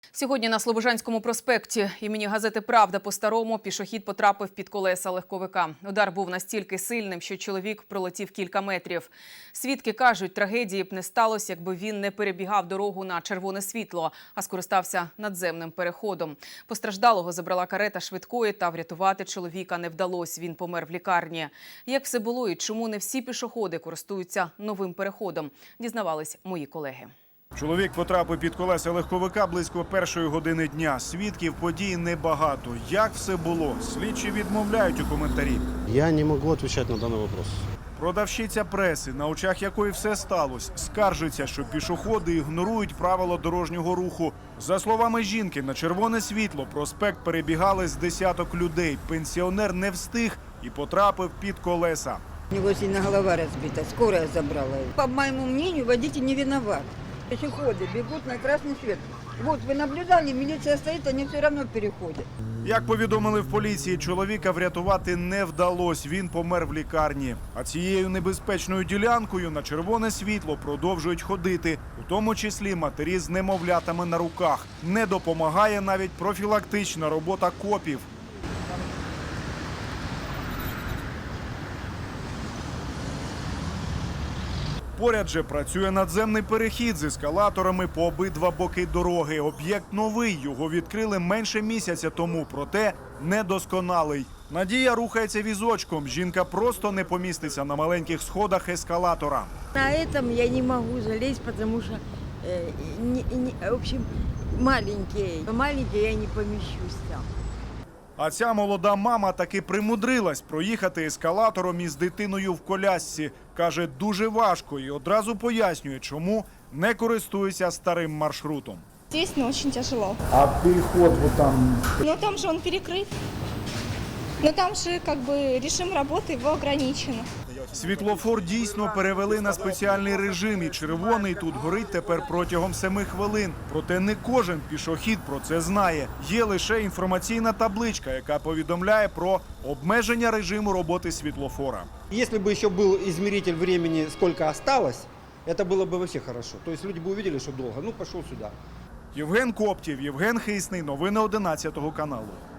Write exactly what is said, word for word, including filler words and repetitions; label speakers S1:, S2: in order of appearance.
S1: Сьогодні на Слобожанському проспекті імені газети «Правда» по-старому пішохід потрапив під колеса легковика. Удар був настільки сильним, що чоловік пролетів кілька метрів. Свідки кажуть, трагедії б не сталося, якби він не перебігав дорогу на червоне світло, а скористався надземним переходом. Постраждалого забрала карета швидкої, та врятувати чоловіка не вдалося. Він помер в лікарні. Як все було і чому не всі пішоходи користуються новим переходом, дізнавались мої колеги.
S2: Чоловік потрапив під колеса легковика близько першої години дня. Свідків подій небагато. Як все було? Слідчі відмовляють у коментарі.
S3: Я не можу відповідати на даний вопрос.
S2: Продавщиця преси, на очах якої все сталося, скаржиться, що пішоходи ігнорують правила дорожнього руху. За словами жінки, на червоне світло проспект перебігали з десяток людей. Пенсіонер не встиг і потрапив під колеса.
S4: У него сильно голова разбита, скорая забрала его. По моему мнению, водитель не виноват. Пешеходы бегут на красный свет. Вот вы наблюдали, милиция стоит, они все равно переходят.
S2: Як повідомили в поліції, чоловіка врятувати не вдалося. Він помер в лікарні. А цією небезпечною ділянкою на червоне світло продовжують ходити, у тому числі матері з немовлятами на руках. Не допомагає навіть профілактична робота копів. Поряд же працює надземний перехід з ескалаторами по обидва боки дороги. Об'єкт новий, його відкрили менше місяця тому, проте недосконалий. Надія рухається візочком, жінка просто не поміститься на маленьких сходах ескалатора.
S4: На этом я не могу залезть, потому что, э, не, не, в общем, маленькие. Маленькие я не помещусь там.
S2: А ця молода мама таки примудрилась проїхати ескалатором із дитиною в колясці. Каже, дуже важко і одразу пояснює, чому не користується старим маршрутом.
S5: Здесь, ну, очень тяжело.
S2: А переход вот там?
S5: Но там же он перекрыт. Но там же, как бы, режим работы его ограничен.
S2: Світлофор дійсно перевели на спеціальний режим, і червоний тут горить тепер протягом семи хвилин. Проте не кожен пішохід про це знає. Є лише інформаційна табличка, яка повідомляє про обмеження режиму роботи світлофора.
S3: Если бы еще был измеритель времени, сколько осталось, это было бы вообще хорошо. То есть люди бы увидели, что долго. Ну, пошел сюда.
S2: Євген Коптів, Євген Хисний. Новини одинадцятого каналу.